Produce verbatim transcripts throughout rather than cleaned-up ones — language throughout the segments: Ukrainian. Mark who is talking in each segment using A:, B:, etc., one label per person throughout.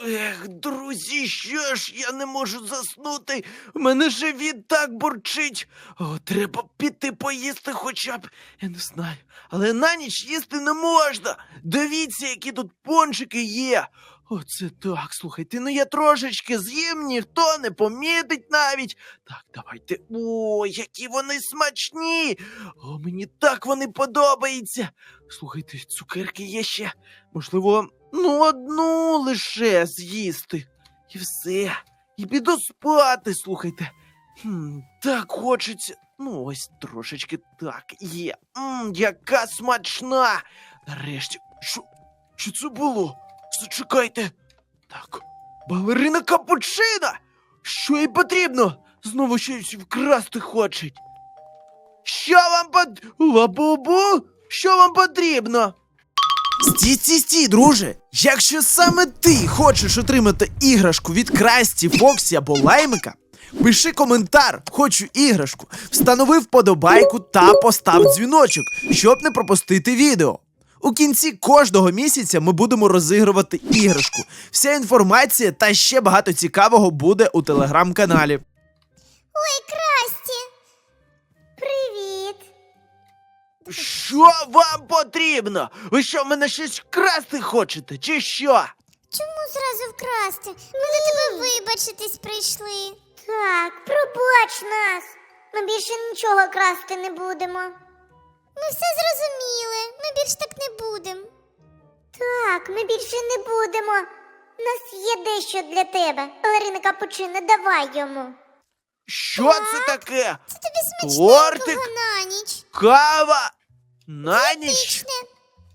A: Ех, друзі, що ж, я не можу заснути. У мене живіт так бурчить. О, треба піти поїсти хоча б. Я не знаю. Але на ніч їсти не можна. Дивіться, які тут пончики є. Оце так, слухайте, ну я трошечки з'їм, ніхто не помітить навіть. Так, давайте. О, які вони смачні. О, мені так вони подобаються. Слухайте, цукерки є ще. Можливо, ну одну лише з'їсти. І все. І піду спати, слухайте. Хм, так хочеться. Ну, ось трошечки так є. Мм, яка смачна. Нарешті. Що? Що це було? Зачекайте. Так, балерина капучино! Що їй потрібно? Знову щось вкрасти хочуть. Що вам пот... Лабубу? Що вам потрібно?
B: Стій, стій, стій, друже! Якщо саме ти хочеш отримати іграшку від Красті, Фоксі або Лаймика, пиши коментар «Хочу іграшку», встанови вподобайку та постав дзвіночок, щоб не пропустити відео. У кінці кожного місяця ми будемо розігрувати іграшку. Вся інформація та ще багато цікавого буде у телеграм-каналі.
C: Ой, Красті! Привіт!
A: Що вам потрібно? Ви що, в мене щось вкрасти хочете, чи що?
C: Чому зразу вкрасти? Ми до тебе вибачитись прийшли. Так, пробач нас. Ми більше нічого красти не будемо. Ми все зрозуміли. Ми більше так не будемо. Так, ми більше не будемо. У нас є дещо для тебе. Балерина капучино, давай йому.
A: Що
C: Так?
A: це таке?
C: Це тобі
A: Тортик?
C: смачненького на ніч.
A: Кава? На ніч?
C: Дієтичне.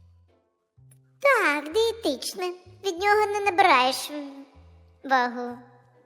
C: Так, дієтичне. Від нього не набираєш м, вагу.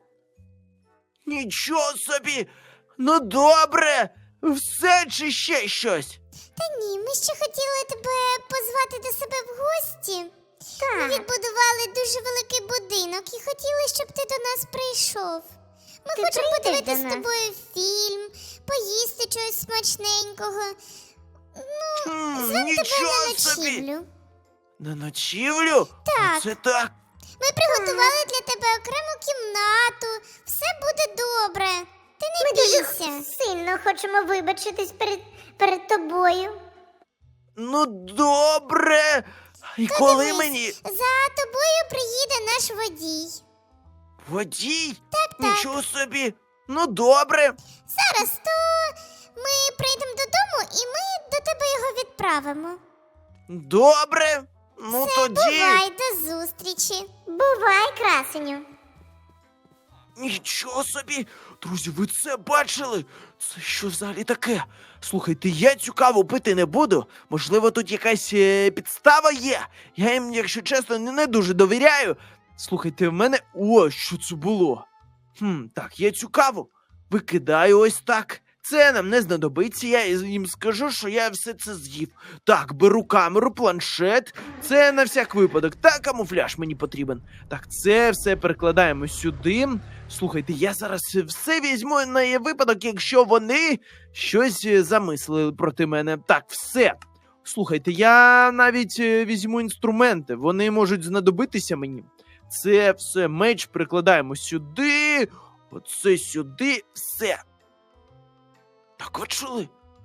A: Нічого собі! Ну добре! Все чи ще щось?
C: Та ні, ми ще хотіли тебе позвати до себе в гості. Так. Ми відбудували дуже великий будинок і хотіли, щоб ти до нас прийшов. Ми
D: Ти
C: хочемо
D: прийдеш
C: подивитись
D: до
C: з
D: нас?
C: тобою фільм, поїсти чогось смачненького.
A: Хм,
C: Звемо тебе
A: нічого
C: на
A: собі!
C: ночівлю.
A: На ночівлю?
C: Так.
A: Це так.
C: Ми приготували для тебе окрему кімнату. Все буде добре. Ти не
D: Ми дуже
C: бійся.
D: сильно хочемо вибачитись перед, перед тобою.
A: Ну добре. І коли
C: Дивись,
A: мені
C: За тобою приїде наш водій.
A: водій?
C: Так, так.
A: Нічого собі. Ну добре.
C: Зараз то ми прийдемо додому і ми до тебе його відправимо.
A: Добре. Ну
C: Все,
A: тоді.
C: бувай, до зустрічі.
D: Бувай, красеню.
A: Нічого собі! Друзі, ви це бачили? Це що взагалі таке? Слухайте, я цю каву пити не буду. Можливо, тут якась е, підстава є. Я їм, якщо чесно, не, не дуже довіряю. Слухайте, в мене... О, що це було? Хм, так, я цю каву викидаю ось так. Це нам не знадобиться, я їм скажу, що я все це з'їв. Так, беру камеру, планшет. Це на всяк випадок. Та камуфляж мені потрібен. Так, це все перекладаємо сюди. Слухайте, я зараз все візьму на випадок, якщо вони щось замислили проти мене. Так, все. Слухайте, я навіть е, візьму інструменти. Вони можуть знадобитися мені. Це все, меч перекладаємо сюди. Оце сюди. Все. Так ви чули?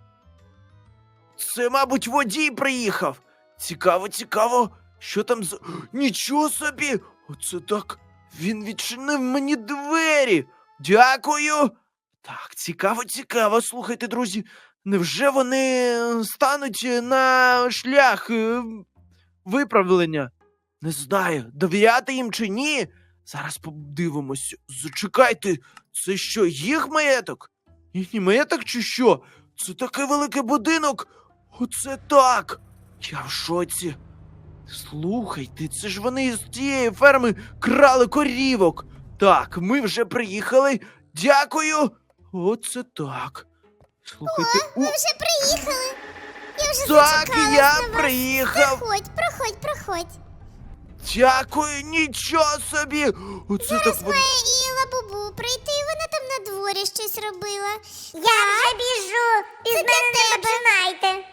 A: Це, мабуть, водій приїхав. Цікаво, цікаво. Що там за... Нічого собі! Оце так. Він відчинив мені двері. Дякую. Так, цікаво, цікаво. Слухайте, друзі, невже вони стануть на шлях е, виправлення? Не знаю, довіряти їм чи ні. Зараз подивимось. Зачекайте, це що, їх маєток? Їхній маєток чи що? Це такий великий будинок. Оце так. Я в шоці. Слухайте, це ж вони з тієї ферми крали корівок. Так, ми вже приїхали. Дякую. Оце так. Слухайте,
C: Ви
A: о,
C: вже приїхали. Я вже
A: так,
C: зачекалась
A: я
C: на вас.
A: приїхав.
C: Проходь, проходь, проходь.
A: Дякую, нічого собі. Оце так.
C: Зараз
A: вон-
C: має і Лабубу прийти, вона там на дворі щось робила.
D: Я вже біжу. Без
C: Це
D: мене
C: для
D: не
C: тебе.
D: починайте.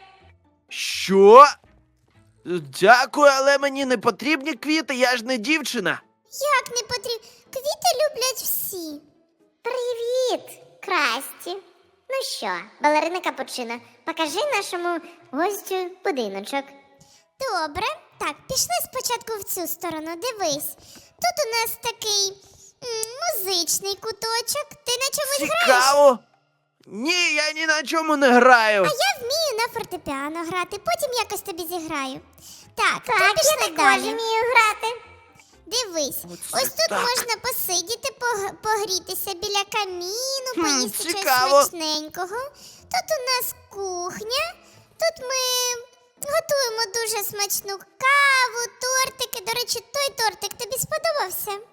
A: Що? Дякую, але мені не потрібні квіти, я ж не дівчина.
C: Як не потрібно? Квіти люблять всі.
D: Привіт, Красті. Ну що, балерина Капучино, покажи нашому гостю будиночок.
C: Добре. Так, пішли спочатку в цю сторону, дивись. Тут у нас такий м, музичний куточок. Ти на чомусь граєш?
A: Цікаво. Ні, я ні на чому не граю.
C: А я вмію на фортепіано грати, потім якось тобі зіграю. Так, то
D: Так, я
C: пішли
D: також
C: далі.
D: вмію грати.
C: Дивись,
A: Оце
C: ось тут
A: так.
C: можна посидіти, пог- погрітися біля каміну,
A: Хм,
C: поїсти щось
A: цікаво.
C: смачненького. Тут у нас кухня, тут ми готуємо дуже смачну каву, тортики. До речі, той тортик тобі сподобався?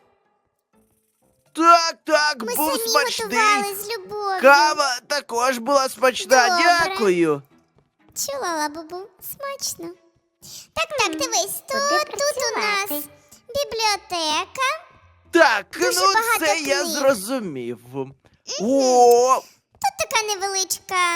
A: Так, так,
C: Ми
A: був
C: самі
A: смачний.
C: готували з любов'ю.
A: Кава також була смачна.
C: Добре.
A: Дякую.
C: Чула, Лабубу, смачно. Так, так, дивись,
D: куди
C: тут, тут у
D: працювати?
C: нас бібліотека.
A: Так,
C: Дуже
A: ну
C: багато
A: це я
C: книг.
A: зрозумів. О,
C: Тут така невеличка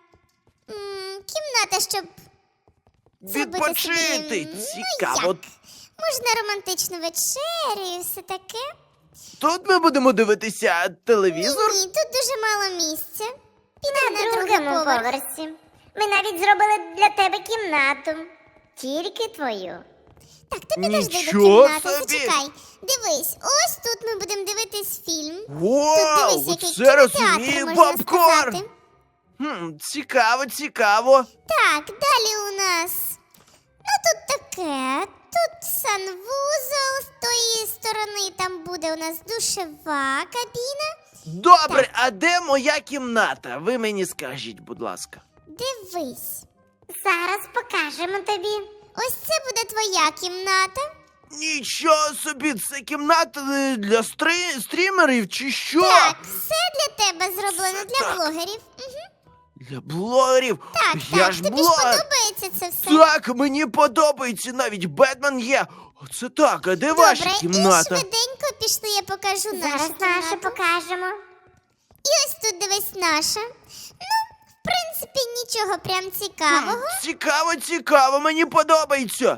C: м, кімната, щоб зробити
A: відпочити.
C: собі, ну,
A: Цікаво.
C: як? можна романтичну вечерю і все таке.
A: Тут ми будемо дивитися телевізор.
C: Ні, тут дуже мало місця. Підемо на,
D: На
C: другий
D: другому
C: поверх.
D: поверсі. Ми навіть зробили для тебе кімнату. Тільки твою.
C: Так, ти підожди до
A: Нічого
C: кімнати,
A: собі!
C: зачекай. Дивись, ось тут ми будемо дивитись фільм.
A: Вау,
C: Тут дивись, який
A: це
C: кінотеатр,
A: розумію,
C: можна
A: попкорн.
C: сказати.
A: Хм, цікаво, цікаво.
C: Так, далі у нас. Ну тут таке. Тут санвузол, з тої сторони там буде у нас душева кабіна.
A: Добре, а де моя кімната? Ви мені скажіть, будь ласка.
C: Дивись.
D: Зараз покажемо тобі.
C: Ось це буде твоя кімната.
A: Нічого собі, це кімната е, для стри... стрімерів чи що?
C: Так, все для тебе зроблено,
A: Це
C: для
A: так.
C: блогерів. Угу.
A: Для блогерів.
C: Так,
A: Я
C: так,
A: ж
C: тобі
A: блогер.
C: ж подобається це все.
A: Так, мені подобається, навіть Бетмен є. Оце так, а де ваша
C: Добре,
A: кімната?
C: і швиденько пішли, я покажу нашу
D: Зараз нашу
C: кімнату.
D: покажемо.
C: І ось тут дивись наша. Ну, в принципі, нічого прям цікавого.
A: Цікаво, цікаво, мені подобається.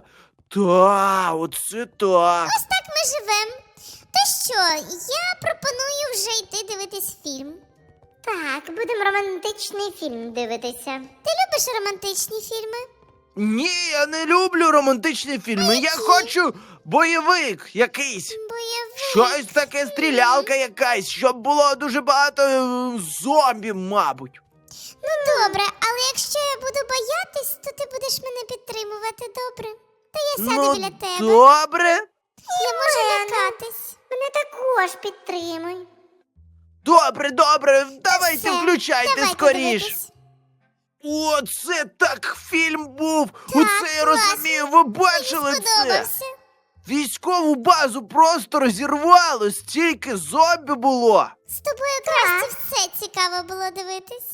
A: Та, оце так.
C: Ось так ми живемо. То що, я пропоную вже йти дивитись фільм.
D: Так, будемо романтичний фільм дивитися.
C: Ти любиш романтичні фільми?
A: Ні, я не люблю романтичні фільми. Я хочу бойовик якийсь.
C: Бойовик.
A: Щось таке, стрілялка якась, щоб було дуже багато е, зомбі, мабуть.
C: Ну добре, але якщо я буду боятись, то ти будеш мене підтримувати, добре? Та я сяду
A: Ну,
C: біля тебе.
A: добре.
C: Я можу лякатись.
D: Мене також підтримуй.
A: Добре, добре, давайте
C: Все,
A: включайте
C: давайте
A: скоріш.
C: дивитись.
A: О, це так фільм був.
C: Так,
A: Оце я
C: класно.
A: розумію, ви бачили
C: Мені
A: це?
C: сподобався.
A: Військову базу просто розірвало, стільки зомбі було.
C: З тобою краще все цікаво було дивитись.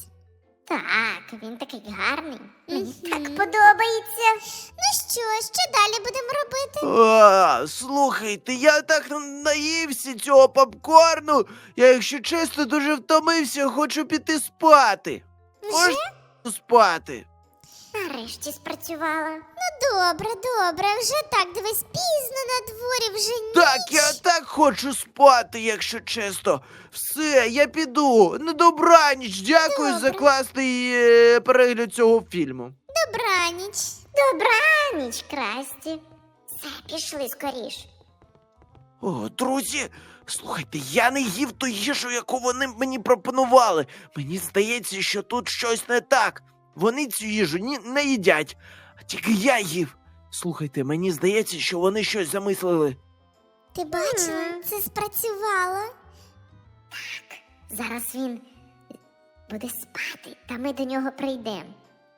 D: Так, він такий гарний. Мені
C: Мгм.
D: так подобається.
C: Ну що, що далі будемо робити?
A: А, слухайте, я так наївся цього попкорну. Я, якщо чесно, дуже втомився, хочу піти спати.
C: Вже?
A: Можна спати?
D: Нарешті спрацювала.
C: Ну добре, добре, вже так, дивись, пізно на дворі, вже ніч.
A: Так, я так хочу спати, якщо чесно. Все, я піду. На добраніч. Дякую за
C: Добре.
A: класний е, перегляд цього фільму.
C: Добраніч.
D: Добраніч, Красті. Все, пішли скоріш.
A: О, друзі, слухайте, я не їв ту їжу, яку вони мені пропонували. Мені здається, що тут щось не так. Вони цю їжу ні, не їдять, а тільки я їв. Слухайте, мені здається, що вони щось замислили.
C: Ти бачила,
D: Мгм.
C: це спрацювало.
D: Зараз він буде спати, та ми до нього прийдемо.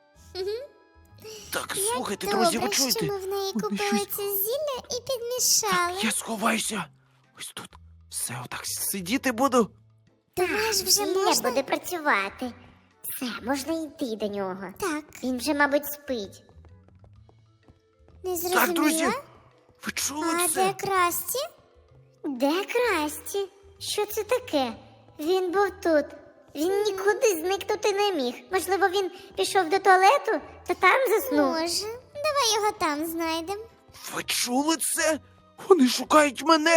A: Так,
C: Як
A: слухайте,
C: добре,
A: друзі, ви чуєте?
C: що ми в неї
A: Вони
C: купили
A: щось-
C: це зілля і підмішали.
A: Я сховаюся. Ось тут. Все, отак сидіти буду.
C: Думаєш, вже
D: Зілля
C: можна?
D: буде працювати. Все, можна йти до нього.
C: Так,
D: Він вже, мабуть, спить.
C: не
A: Так, друзі,
C: зрозуміла.
A: ви чули
C: А
A: це?
C: де Красті?
D: Де Красті? Що це таке? Він був тут. Він нікуди зникнути не міг. Можливо, він пішов до туалету та там заснув.
C: Може, давай його там знайдемо.
A: Ви чули це? Вони шукають мене.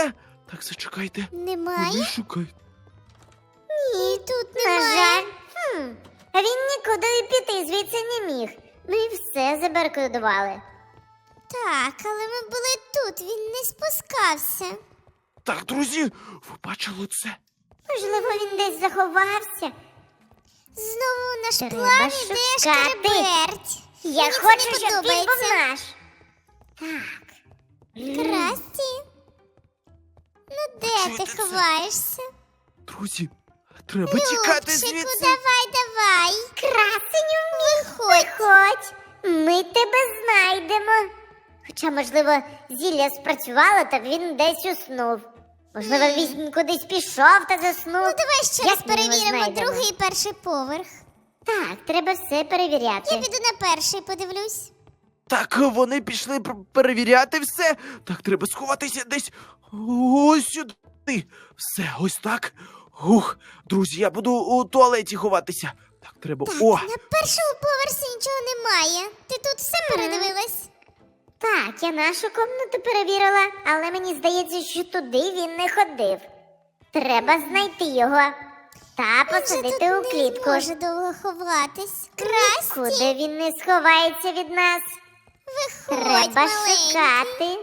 A: Так, зачекайте.
C: Немає?
A: Вони шукають.
C: Ні, тут
D: На
C: немає.
D: жаль. Хм. А він нікуди піти звідси не міг. Ми все забаркодували.
C: Так, але ми були тут, він не спускався.
A: Так, друзі, ви бачили це?
D: Можливо, він десь заховався.
C: Знову наш
D: Треба
C: план іде
D: шукати.
C: шкереберть.
D: Я
C: Мені це
D: хочу,
C: не
D: щоб він був
C: подобається.
D: наш. Так.
C: Красті? Ну де
A: Чуєте
C: ти
A: це?
C: ховаєшся?
A: Друзі, треба тікати
C: Любчику,
A: звідси.
C: давай, давай.
D: Красеню,
C: Виходь.
D: виходь. Ми тебе знайдемо. Хоча, можливо, зілля спрацювало, та він десь уснув. Можливо, він кудись пішов та заснув.
C: Ну давай ще раз
D: Як ми його
C: перевіримо
D: знайдемо?
C: другий і перший поверх.
D: Так, треба все перевіряти.
C: Я піду на перший, подивлюсь.
A: Так, вони пішли пр- перевіряти все. Так, треба сховатися десь ось сюди. Все, ось так. Ух, друзі, я буду у туалеті ховатися. Так, треба. О!
C: На першому поверсі нічого немає. Ти тут все передивилась?
D: Так, я нашу комнату перевірила, але мені здається, що туди він не ходив. Треба знайти його та
C: Він же
D: посадити
C: тут
D: у клітку.
C: не може довго ховатись. Красті,
D: Куди він не сховається від нас?
C: виходь,
D: Треба
C: маленький.
D: шукати.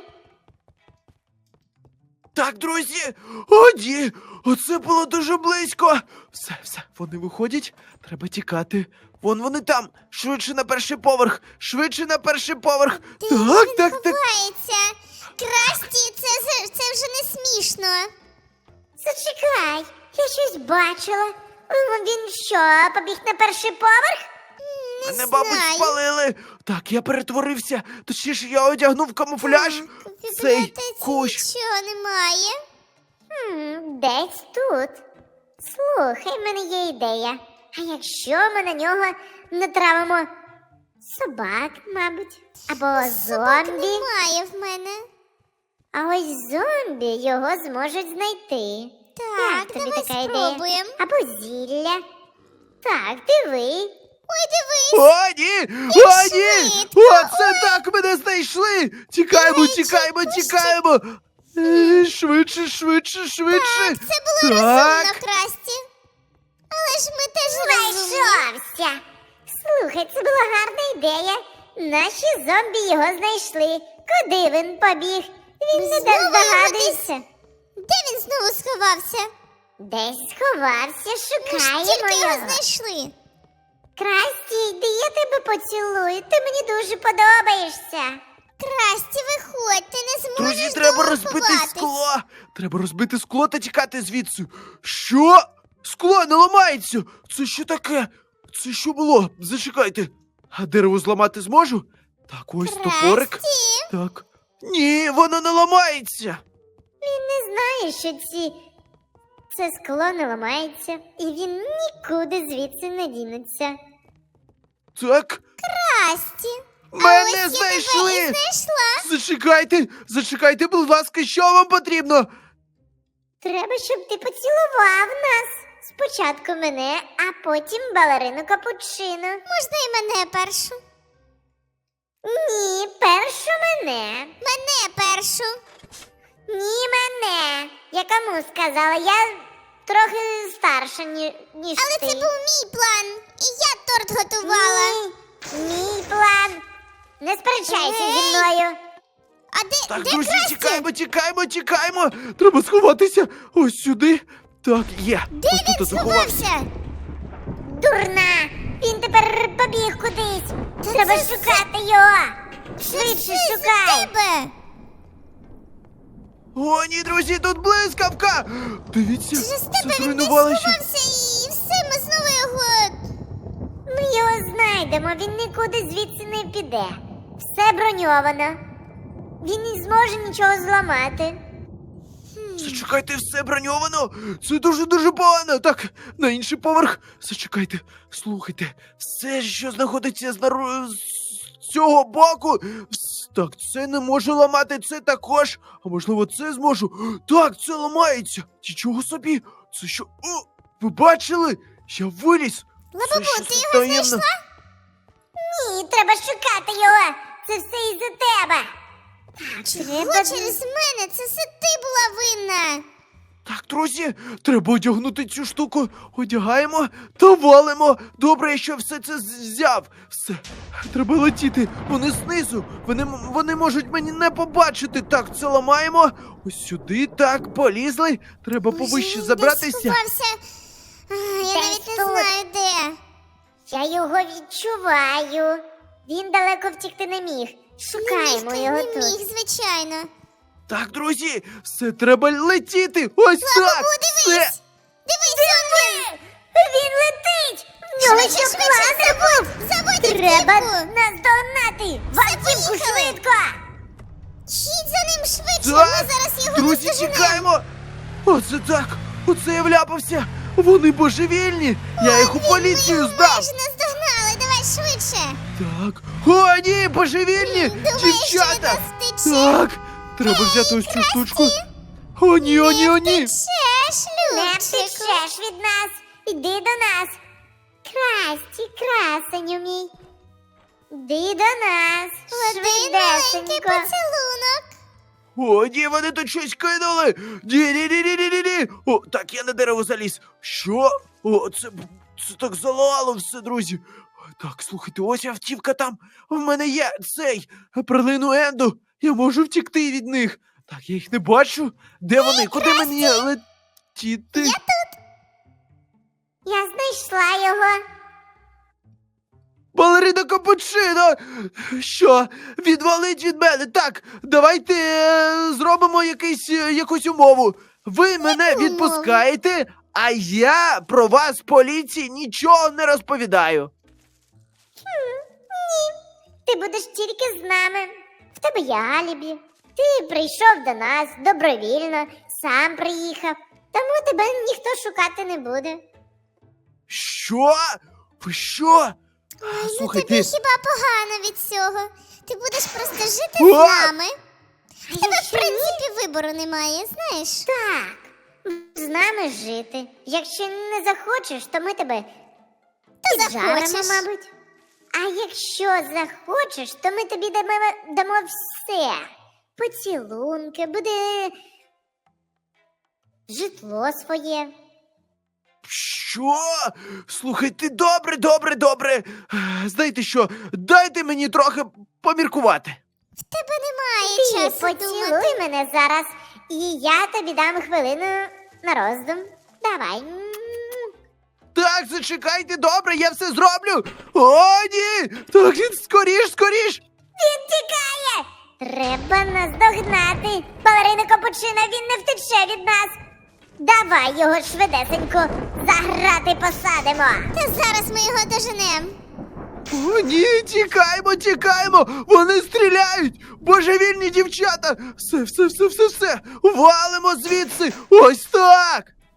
A: Так, друзі! О, ні! Оце було дуже близько! Все, все, вони виходять, треба тікати. Вон вони там! Швидше на перший поверх! Швидше на перший поверх!
C: Де
A: так,
C: він
A: так, так.
C: ховається? Красті, це, це, це вже не смішно.
D: Зачекай, я щось бачила. М, Він що, побіг на перший поверх?
C: Не
A: Мене,
C: знаю.
A: мабуть, спалили! Так, я перетворився. Точніше, я одягнув камуфляж.
C: Так, в
A: Цей
C: бібліотеці
A: кущ.
C: нічого немає.
D: Хм, десь тут. Слухай, в мене є ідея. А якщо ми на нього натравимо собак, мабуть, або
C: Собак
D: зомбі,
C: немає в мене.
D: а ось зомбі його зможуть знайти.
C: Так,
D: Як тобі
C: давай
D: така ідея?
C: спробуємо.
D: Або зілля. Так, диви.
C: Ой, дивись.
A: О, ні! О, ні!
C: швидко.
A: О, це так мене знайшли! Тікаємо,
C: Речі,
A: тікаємо,
C: пусти.
A: тікаємо! Е, Швидше, швидше, швидше!
C: Це було
A: Так.
C: розумно, Красті. Але ж ми теж розумні.
D: Знайшовся. Слухай, це була гарна ідея. Наші зомбі його знайшли. Куди він побіг? Він не
C: Знову
D: так
C: його
D: здогадується.
C: Де він знову сховався?
D: Десь сховався,
C: Ми ж
D: шукаємо
C: тільки його
D: його.
C: знайшли.
D: Красті, йди, я тебе поцілую. Ти мені дуже подобаєшся.
C: Красті, виходь, ти не зможеш
A: Друзі, треба
C: довго
A: розбити
C: ховатись.
A: скло! Треба розбити скло та тікати звідси. Що? Скло не ламається! Це що таке? Це що було? Зачекайте. А дерево зламати зможу? Так, ось топорик.
C: Красті,
A: Так. Ні, воно не ламається.
D: Він не знає, що ці... це скло не ламається, і він нікуди звідси не дінеться.
A: Так,
C: Красті. А
A: мене
C: ось я
A: знайшли!
C: тебе і знайшла.
A: Зачекайте, зачекайте, будь ласка, що вам потрібно?
D: Треба, щоб ти поцілував нас. Спочатку мене, а потім балерину капучино.
C: Можна і мене першу.
D: Ні, першу мене.
C: Мене першу.
D: Ні, мене. Я кому сказала? Я трохи старша, ні, ніж
C: Але
D: ти.
C: це був мій план. І я торт готувала.
D: Ні, мій план. Не сперечайся
C: Ей.
D: зі мною.
C: А де,
A: Так,
C: де
A: друзі,
C: Красті?
A: тікаємо, тікаємо, тікаємо. Треба сховатися ось сюди. Так, є.
C: Де
A: ось
C: він
A: тут заховався.
C: сховався?
D: Дурна! Він тепер побіг кудись.
C: Та
D: Треба
C: це
D: шукати його.
C: Це
D: Швидше
C: все із-за
D: шукай.
C: тебе.
A: О, ні, друзі, тут блискавка! Дивіться,
C: Через
A: все
C: тебе він десь
A: зруйнувалося.
C: сховався і все, ми знову його...
D: Ми його знайдемо, він нікуди звідси не піде. Все броньовано. Він не зможе нічого зламати.
A: Зачекайте, все броньовано. Це дуже-дуже погано. Так, на інший поверх. Зачекайте, слухайте, все, що знаходиться з, нару... з цього боку. вс- Так, це не можу ламати, це також. А можливо, це зможу. Так, це ламається. Нічого собі. Це що? О, ви бачили? Я виліз.
C: Лабубу,
A: Це щось
C: ти його
A: таємне.
C: знайшла?
D: Ні, треба шукати його. Це все із-за тебе.
C: Чого
D: Треба-
C: через мене? Це все ти була винна.
A: Так, друзі, треба одягнути цю штуку. Одягаємо та валимо. Добре, я що все це з- взяв. Все, треба летіти. Вони знизу. Вони, м- вони можуть мені не побачити. Так, це ламаємо. Ось сюди, так, полізли. Треба
C: Може,
A: повище
C: він
A: забратися.
C: десь сховався? А, я
D: Десь
C: навіть не
D: тут.
C: знаю де.
D: Я його відчуваю. Він далеко втікти не міг. Шукаємо
C: не міг,
D: його
C: не
D: тут.
C: міг, звичайно.
A: Так, друзі, все треба летіти. Ось так. Все.
C: Дивись! Дивись, он він!
D: Він летить! В нього
C: Швидше,
D: що
C: швидше,
D: класи
C: забудь! Забудь
D: Треба
C: автівку!
D: наздогнати! В автівку
C: поїхали!
D: швидко!
C: Їдь за ним швидше,
A: Так,
C: ми зараз його
A: друзі,
C: наздоженемо.
A: тікаємо. Оце так. Оце я вляпався. Вони божевільні. Я їх у поліцію
C: Ми
A: здав.
C: майже наздогнали, давай швидше.
A: Так. О, ні, божевільні!
C: Думаєш, що від
A: Дівчата!
C: нас втече?
A: Так! Треба взяти ось цю штучку. О, ні, о, ні, о, ні!
C: Втечеш,
D: Не
C: Любчику.
D: втечеш від нас! Іди до нас! Красті, красеню мій! Іди до нас!
C: Один маленький
D: Швидесенько!
C: поцілунок.
A: О, ні, вони тут щось кинули! Ні, ні, ні, ні, ні, ні, ні! О, так, я на дерево заліз. Що? О, це, це так залало все, друзі. Так, слухайте, ось автівка там. В мене є цей прилину Енду. Я можу втікти від них. Так, я їх не бачу. Де вони? Куди мені летіти?
D: Я знайшла його!
A: Балерина Капучино! Що? Відвалить від мене? Так, давайте е, зробимо якийсь, е, якусь умову. Ви мене
C: умову?
A: відпускаєте, а я про вас поліції нічого не розповідаю.
D: Ти будеш тільки з нами. В тебе є алібі. Ти прийшов до нас добровільно, сам приїхав. Тому тебе ніхто шукати не буде.
A: Що? Ви що?
C: Ой, ну
A: Слухайте,
C: тобі хіба погано від цього? Ти будеш просто жити
A: О!
C: з нами. В тебе, в
D: якщо ні?
C: принципі, вибору немає, знаєш?
D: Так, з нами жити. Якщо не захочеш, то ми тебе
C: Ти
D: піджаримо,
C: захочеш.
D: мабуть. А якщо захочеш, то ми тобі дамо, дамо все. Поцілунки, буде житло своє.
A: Що? Слухайте, добре, добре, добре. Е, Знаєте що? Дайте мені трохи поміркувати.
C: В тебе немає
D: Ти
C: часу
D: поцілуй
C: думати.
D: мене зараз, і я тобі дам хвилину на роздум. Давай.
A: Так, зачекайте, добре, я все зроблю. О, ні! Так, він скоріш, скоріш.
D: Він тікає! Треба наздогнати. Балерина Капучино, він не втече від нас. Давай його швидесенько заграти посадимо.
C: Та зараз ми його доженемо.
A: О, ні, тікаємо, тікаємо! Вони стріляють! Божевільні дівчата! Все, все, все, все, все! Валимо звідси! Ось так!